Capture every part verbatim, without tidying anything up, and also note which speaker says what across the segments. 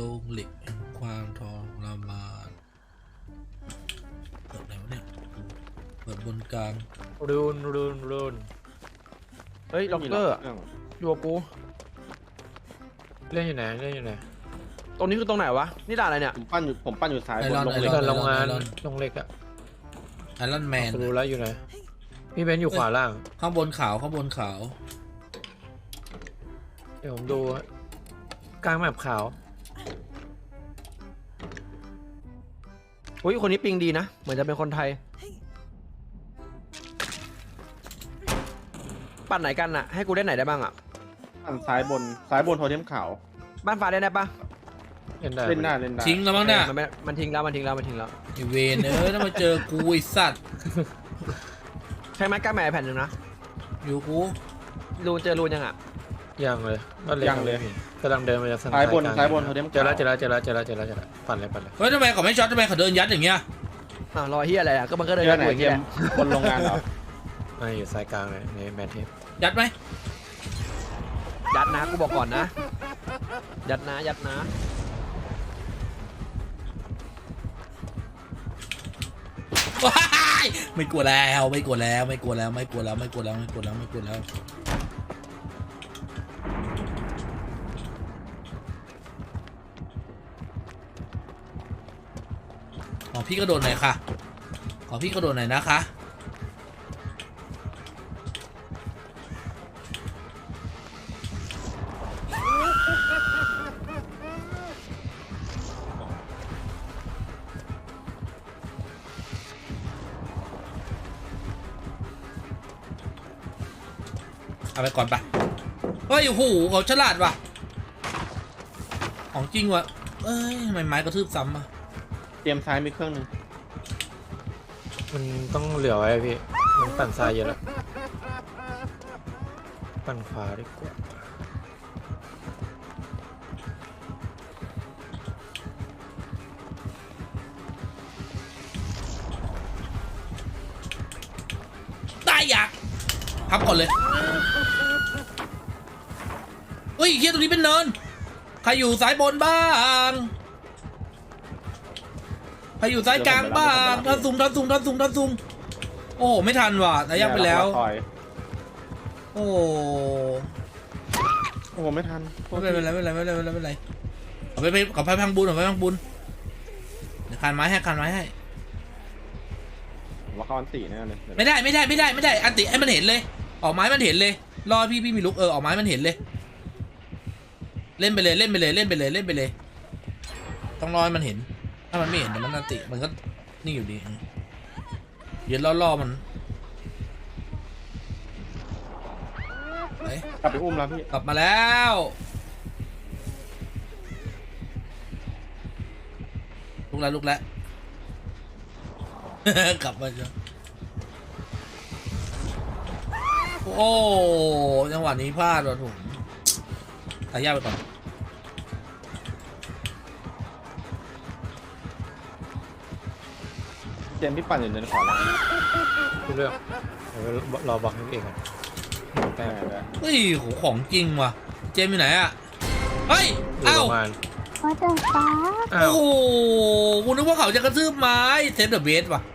Speaker 1: ลงเหล็กความทรมานเปิดไหนวะเนี่ยเปิดบนกลาง
Speaker 2: รูนรูนรูนเฮ้ยล็อกเกอร์อยู่กับกูเล่นอยู่ไหนเล่นอยู่ไหนตรงนี้คือตรงไหนวะนี่ด่านอะไรเนี่ย
Speaker 3: ผมปั้นอยู่ผมปั้นอยู่ซ้ายบนลง
Speaker 2: เล่
Speaker 3: เล็
Speaker 2: น
Speaker 3: ก
Speaker 2: โรงงานลงเล็กอะ
Speaker 1: ไอรอนแมน
Speaker 2: รู้แล้วอยู่ไหนพี่เบนอยู่ขวาล่าง
Speaker 1: ข้างบนขาวข้างบนขาว
Speaker 2: เดี๋ยวผมดูกลางแมปขาวอุ้ยคนนี้ปิงดีนะเหมือนจะเป็นคนไทยปั่นไหนกันอะให้กูเล่นไหนได้บ้างอะ
Speaker 3: ปั้นซ้ายบนซ้ายบนโทเทมขาว
Speaker 2: บ้านฟ้าได้ไหมปะ
Speaker 3: เล่นได้เล่นได้เล่นได้
Speaker 1: ทิ้งแล้วมั้งเนี่ย
Speaker 2: มันมันทิ้งแล้วมันทิ้งแล้วมันทิ้งแล้ว
Speaker 1: ไอเวนเออถ้ามาเจอกูไอสัตว์
Speaker 2: ใช่ไหมกล้าแม่แผ่นหนึ่งนะ
Speaker 1: อยู่กู
Speaker 2: รูนเจอรูนยังอ่ะยังเลย
Speaker 3: ยังเลย
Speaker 2: กำลังเดินมาจาก
Speaker 3: ซ้ายบนซ้ายบนโทเทม
Speaker 2: เจอแล้วเจอแล้วเจอแล้วเจอแล้วเจอแล้วเจอแล้วปั่นเลยปั่นเลย
Speaker 1: เฮ้ยทำไมเขาไม่ช็อตทำไมเขาเดินยัดอย่างเงี้ย
Speaker 2: อ้าวรอเฮียอะไรอ่ะก็มันก็เดินยัด
Speaker 3: ไหนเกมบนโรงงานเหรอ
Speaker 2: ไม่อยู่สายกลางเลยในแมทเทป
Speaker 1: ยัดไหม
Speaker 2: ยัดนะกูบอกก่อนนะยัดนะยัดนะ
Speaker 1: ไม่กลัวแล้วไม่กลัวแล้วไม่กลัวแล้วไม่กลัวแล้วไม่กลัวแล้วไม่กลัวแล้วไม่กลัวแล้วขอพี่กระโดดหน่อยค่ะขอพี่กระโดดหน่อยนะคะเอาไปก่อนปะเฮ้ยโอ้โหเขาฉลาดว่ะของจริงว่ะเอ้ยทำไมไม้กระทืบซ้ำอ่ะ
Speaker 3: เตรียมซ้ายมีเครื่องหนึ่ง
Speaker 2: มันต้องเหลือไว้พี่มันปั่นซ้ายเยอะแล้วปั่นขวาดีกว่า
Speaker 1: ได้อยากพับก่อนเลยเฮ้ยเฮียตรงนี้เป็นเนินใครอยู่สายบนบ้างใครอยู่สายกลางบ้างทันซุงทันซุงทันซุงทันซุงโอ้ไม่ทันว่ะแต่ยักไปแล้วโอ้
Speaker 3: โอ้ไม่ทัน
Speaker 1: ไม่เป็นไรไม่เป็นไรไม่เป็นไรไม่เป็นไรเอาไปไปกับพังบุญเอาไปพังบุญเดี๋ยวคานไม้ให้คานไม้ให้
Speaker 3: ว่าเขาอันตีแน่เลย
Speaker 1: ไม่ได้ไม่ได้ไม่ได้ไม่ได้อันติให้มันเห็นเลยออกไม้มันเห็นเลยรอพี่พี่มีลุกเออออกไม้มันเห็นเลยเล่นไปเลยเล่นไปเลยเล่นไปเลยเล่นไปเลยต้องรอให้มันเห็นถ้ามันไม่เห็นมันอันติมันก็นี่อยู่ดียืนล่อๆมันไป
Speaker 3: กลับไปอุ้มแล้วพี่
Speaker 1: กลับมาแล้วลุกแล้วลุกแล้วกลับมาจ้ะโอ้จังหวะนี้พลาดว่ะผมตายยากไปก่อน
Speaker 3: เจมพี่ปั่นอยู่ในขวาล่าง
Speaker 2: ทุกเรื่องรอบังเองอ่ะ
Speaker 3: แต่
Speaker 1: เฮ้ยโหของจริงว่ะเจมอยู่ไหนอ่ะเฮ้ยเอ้า
Speaker 4: ว่าจะฟ้า
Speaker 1: โอ้โหกูนึกว่าเขาจะกระทืบไม้เซฟเดอะเบสว่ะ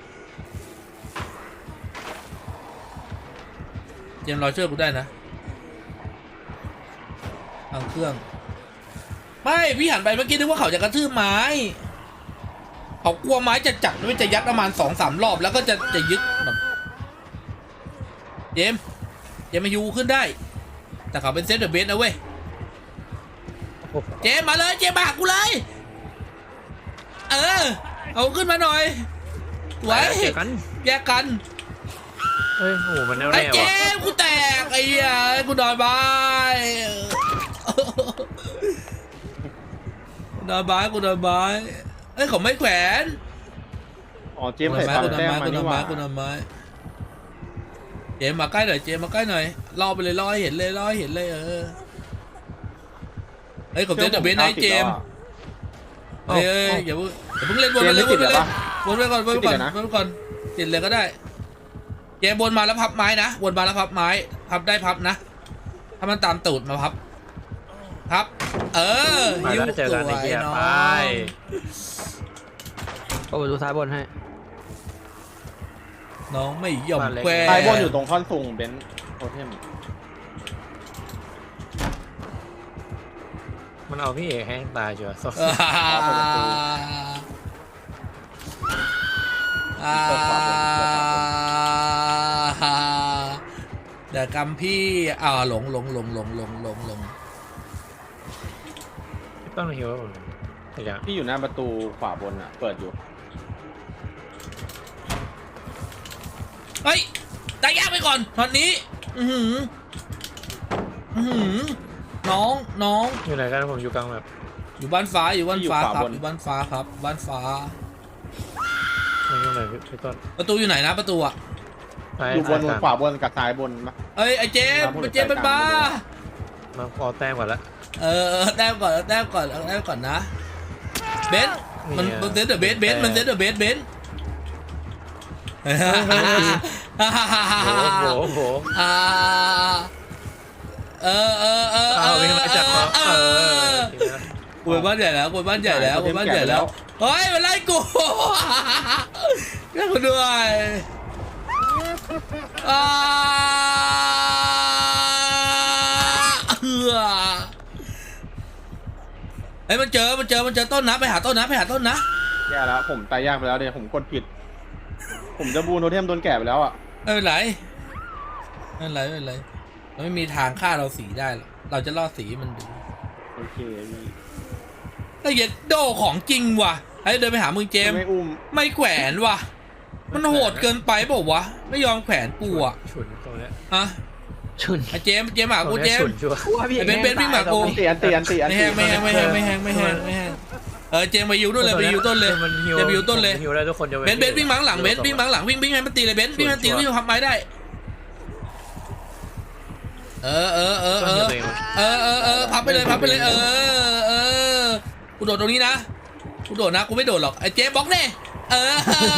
Speaker 1: เจมรอช่วยกูได้นะทางเครื่องไม่พี่หันไปเมื่อกี้นึกว่าเขาจะกระทืบไม้เขากลัวไม้จะจับไม่จะยัดประมาณสองสามรอบแล้วก็จะจะยึดแบบเจมเจมมายูขึ้นได้แต่เขาเป็นเซฟเดอะเบสนะเว้ยเจมมาเลยเจมมาหากูเลยเออเอาขึ้นมาหน่อยไว้แยกกันแยกกัน
Speaker 2: เฮ้ยโหมันแน่วแน่
Speaker 1: ว่ะไอ้เจมกูแตกไอ้เหี้ยกูนอนบายนอนบายกูนอนบายเอ้ยเขาไม่แขวน
Speaker 3: อ๋อเจมใส่ตาแต้มมานี่หว่า
Speaker 1: กูนอนบายเจมมาใกล้หน่อยเจมมาใกล้หน่อยรอไปเลยรอให้เห็นเลยรอให้เห็นเลยเออเฮ้ยผมเล่นเดอะเบสไนท์เจมเฮ้ยอย่าเพิ่งอย่าเพิ่งเล่นบนไปเลยบนไปเลยบนไปก่อนบนไปก่อนบนไปก่อนติดเลยก็ได้เจมบนมาแล้วพับไม้นะบนมาแล้วพับไม้พับได้พับนะถ้ามันตามตูดมาพับครับ เออ
Speaker 2: ไป
Speaker 1: ยิ้ว
Speaker 2: แล้วเจอ
Speaker 1: ส
Speaker 2: กัน
Speaker 1: ว
Speaker 2: ไอ้
Speaker 1: ย
Speaker 2: เหี้ย
Speaker 1: น้อ
Speaker 2: ไป
Speaker 1: ง
Speaker 4: โอ้ดูซ้ายบนให้
Speaker 1: น้องไม่ยอม
Speaker 2: บ้านเล็ก
Speaker 1: แคว
Speaker 3: ซ้ายบนอยู่ตรงท่อนสูงเบนซ์โทเทม
Speaker 2: มันเอาพี่เอกให้ตายเชียว
Speaker 1: อ่าอ่าเดี๋ยวกำพี่อ่าหลงหลงหลงหลงหลงหลงหลง
Speaker 2: ต้องหิวผมแต่ยัง
Speaker 3: พี่อยู่หน้าประตูขวาบนอ่ะ เปิดอยู่
Speaker 1: เฮ้ยตายยากไปก่อนตอนนี้ อือหืออือหือน้องน้อง
Speaker 2: อยู่ไหนกันผมอยู่กลางแบบ
Speaker 1: อยู่บ้านฟ้าอยู่บ้านฟ้า
Speaker 3: อยู่
Speaker 1: ครับ
Speaker 3: ขวาบน
Speaker 1: อยู่บ้านฟ้าครับ บ้านฟ้า
Speaker 2: มันอยู่ไหนพี่พี่ต้น
Speaker 1: ประตูอยู่ไหนนะประตูอะ
Speaker 2: ไป
Speaker 3: อยู่บน
Speaker 2: กลาง
Speaker 3: ขวาบนกับซ้ายบนปะ
Speaker 1: เอ้ยไอ้เจมส์
Speaker 3: ครับผม
Speaker 1: ไอ้เจมส์เป็นบ้า
Speaker 2: มาขอแต้มก่อนละ
Speaker 1: เออเออแต้มก่อนแต้มก่อนเอาแต้มก่อนนะเบนซ์มัน
Speaker 2: เนี่ย
Speaker 1: มันเซตเดอะเบสเบนซ์มันเซตเดอะเบสเบนซ์
Speaker 2: โอ้โหโอ้โห
Speaker 1: อ่าเออเออเออ
Speaker 2: เอาวิ่งมาจับเขาเออ
Speaker 1: กูเป็นบ้านใหญ่แล้วกูเป็นบ้านใหญ่แล้วกูเป็นบ้านใหญ่แล้วเฮ้ยมันไล่กูเรียกกูด้วยอ่าเอือเฮ้ยมันเจอมันเจอมันเจอต้นนะไปหาต้นนะไปหาต้นนะ
Speaker 3: แย่แล้วผมตายยากไปแล้วเดี๋ยวผมกดผิด ผมจะบูนโทเทมโดนแก่ไปแล้วอ่ะ
Speaker 1: ไม่เป็นไรไม่เป็นไรไม่เป็นไรเราไม่มีทางฆ่าเราสีได้หรอกเราจะล่อสีมันดู
Speaker 3: โอเคพี่
Speaker 1: ไอ้เหี้ยโดของจริงว่ะไอ้เดินไปหามึงเจมส์
Speaker 3: ไม่อุ้ม
Speaker 1: ไม่แขวนว่ะ มันโหดเกินไปเปล่าวะ ไม่ยอมแขวนกูอ่ะ
Speaker 2: ฉุนตรงเนี้ย
Speaker 1: ฮะ
Speaker 4: ชุน
Speaker 1: ไอ้เจมส์เจมส์หากู
Speaker 2: ตรง
Speaker 1: เจ
Speaker 2: เนี้ย
Speaker 1: ม
Speaker 2: ฉุน
Speaker 1: ส์
Speaker 2: ชัวร์
Speaker 4: กูว่าพี่
Speaker 1: ไอ้เบนซ์เบนซ์วิ่งมากู
Speaker 3: อันตีอันตีอันตีอัน
Speaker 1: ไม่
Speaker 3: ตี
Speaker 1: แห้งไม่แห้งไม่แห้งไม่แห้งไม่แห้งไม่แห้งเออเจมส์ไปยิวต้นเลยไปยิวต้นเลย
Speaker 2: มันหิว
Speaker 1: เจมส์ไปยิวต้นเลย
Speaker 2: หิวแล้วทุกคนจะ
Speaker 1: เบนซ์เบนซ์วิ่งมาข้างหลังเบนซ์วิ่งมาข้างหลังวิ่งวิ่งให้มันตีเลยเบนซ์วิ่งให้มันตีวิ่งทำไม้ได้ เออเออเออเออเออเออเออพับไปเลยพับไปเลยเออเออกูโดดตรงนี้นะกูโดดนะกูไม่โดดหรอกไอ้เจมส์บล็อกแน่เออ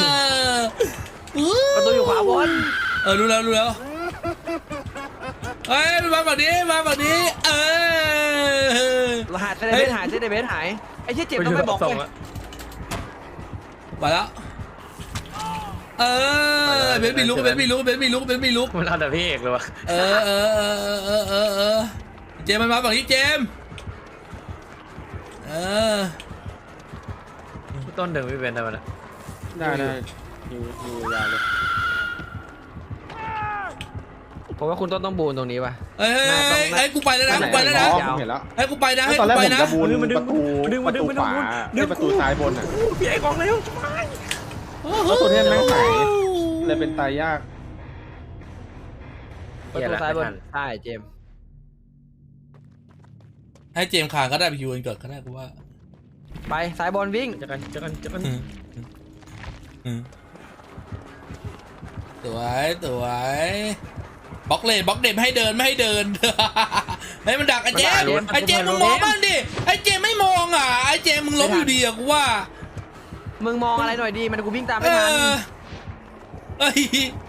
Speaker 4: ประตูอยู่ขวาบน
Speaker 1: เออรู้แล้วรู้แล้วเฮ้ยมาฝั่งนี้มาฝั่งนี้เออ
Speaker 4: รหัสเซเดเบสหายเซเดเบสหายไอ้เชี่ยเจ็บต้องไปบอก
Speaker 2: ส่ง
Speaker 4: เลย
Speaker 2: ละ
Speaker 1: มาแล้วเออเบนซ์มีลุกเบนซ์มีลุกเบนซ์มีลุกเบนซ์มีลุก
Speaker 2: มันเอาแต่พี่เอกเลยวะ
Speaker 1: เออเออเออเออเออเออเจมส์มันมาฝั่งนี้เจมส์เออ
Speaker 2: พี่ต้นดึงพี่เบนได้ไหมล่ะ
Speaker 3: ได้ได้อยู่อยู่ยาวเลย
Speaker 4: ผมว่าคุณต้นต้องบูนตรงนี้ป่ะ
Speaker 1: เฮ้ยเฮ้ยเฮ้ยเฮ้ยกูไปแล้วนะกูไปแล้วนะ
Speaker 3: อ๋อผมเห็นแล้ว
Speaker 1: เฮ้ยกูไปนะ
Speaker 3: แล้ว
Speaker 1: ให้
Speaker 3: ตอน
Speaker 1: กู
Speaker 3: แรก
Speaker 1: ไป
Speaker 3: ผม
Speaker 1: นะ
Speaker 3: จะบูนประตูประตูขวาไม่ประตูซ้ายบนอ่ะ
Speaker 2: พี่เอกของเร็ว
Speaker 3: แล้วตัวเทมแม่งหายเลยเป็นตายยาก
Speaker 4: ประตูซ้ายบนใช่เจมส์
Speaker 1: ให้เจมส์คานก็ได้ไปคิวกันเกิดก็ได้กูว่า
Speaker 4: ไปซ้ายบนวิ่ง
Speaker 2: จะกันจะกันจะกัน
Speaker 1: อืมอืมสวยสวยบล็อกเลยบล็อกเด็ไม่ให้เดินไม่ให้เดิน ให้มันดักไอ้เจมส์ไอ้เจมส์มึงมองบ้างดิไอ้เจมส์ไม่มองอ่ะไอ้เจมส์มึงล้มอยู่ดีอ่ะกูว่า
Speaker 4: มึงมองอะไรหน่อยดีมันกูวิ่งตาม
Speaker 1: เอ
Speaker 4: ไม่ทัน
Speaker 1: อเอ้ย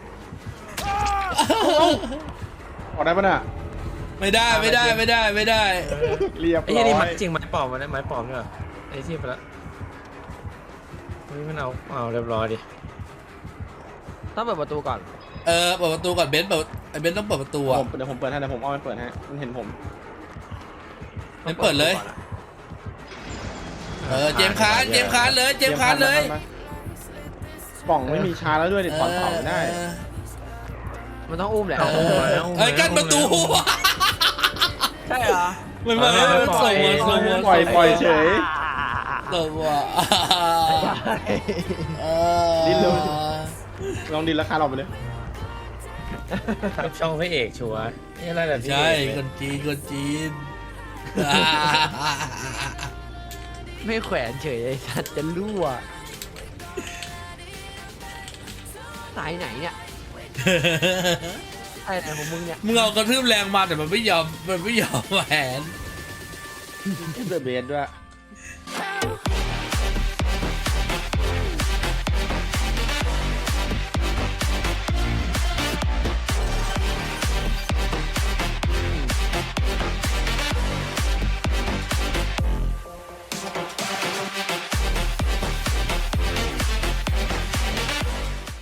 Speaker 3: ออกได้ปะน่ะ
Speaker 1: ไม่ได้ไม่ได้ไม่ได้ไม่ได้
Speaker 3: เรียบ
Speaker 2: ไอ้
Speaker 3: ร้
Speaker 2: ยี่นี่
Speaker 3: อ
Speaker 2: ไม้
Speaker 3: ย
Speaker 2: จริงไม้ปลอมมันได้ไม้ปลอมด้วยไอ้ที่ไปละนี่มันเอาเอาเรียบร้อยดิ
Speaker 4: ต้องเปิดประตูก่อน
Speaker 1: เออเปิดประตูก่อนเบนซ์เปิดไอ้เบนซ์ต้องเปิดประตู
Speaker 3: ผ
Speaker 1: อ่ะ
Speaker 3: มเดี๋ยวผมเปิดให้เดี๋ยวผมเอาไปเปิดให้มันเห็นผม
Speaker 1: เบนซ์เปิดเลยเออเจมส์คานเจมส์คานเลยเจมส์คานเลย
Speaker 3: กล่องไม่มีชาแล้วด้วยดิถอนเผาไม่ได้
Speaker 1: เออ
Speaker 4: มันต้องอุ้มแหละ
Speaker 2: เอาอุ้มมาเอาอุ้มมา
Speaker 1: เอ้ยกั้นประตู
Speaker 4: ใช่เหรอ
Speaker 1: มันมาแล้วมันส่งมาส่งมา
Speaker 3: ปล่อยปล่อยเฉย
Speaker 1: ส่งมาเออ
Speaker 3: ดิ้นเร็ว ลองดินราคาเราไปเลย
Speaker 2: ครับช่องพระเอกชัวร์นี่อะไรแบบพี่
Speaker 1: ใช่
Speaker 2: เอก
Speaker 1: คนจีนคนจีน
Speaker 4: ไม่แขวนเฉยไอ้สัตว์จะรั่วสายไหนเนี่ยสายไหนของมึงเนี่ย
Speaker 1: มึงเอากระทืบแรงมาแต่มันไม่ยอมมันไม่ยอมแหวน
Speaker 3: เดอะเบสด้วย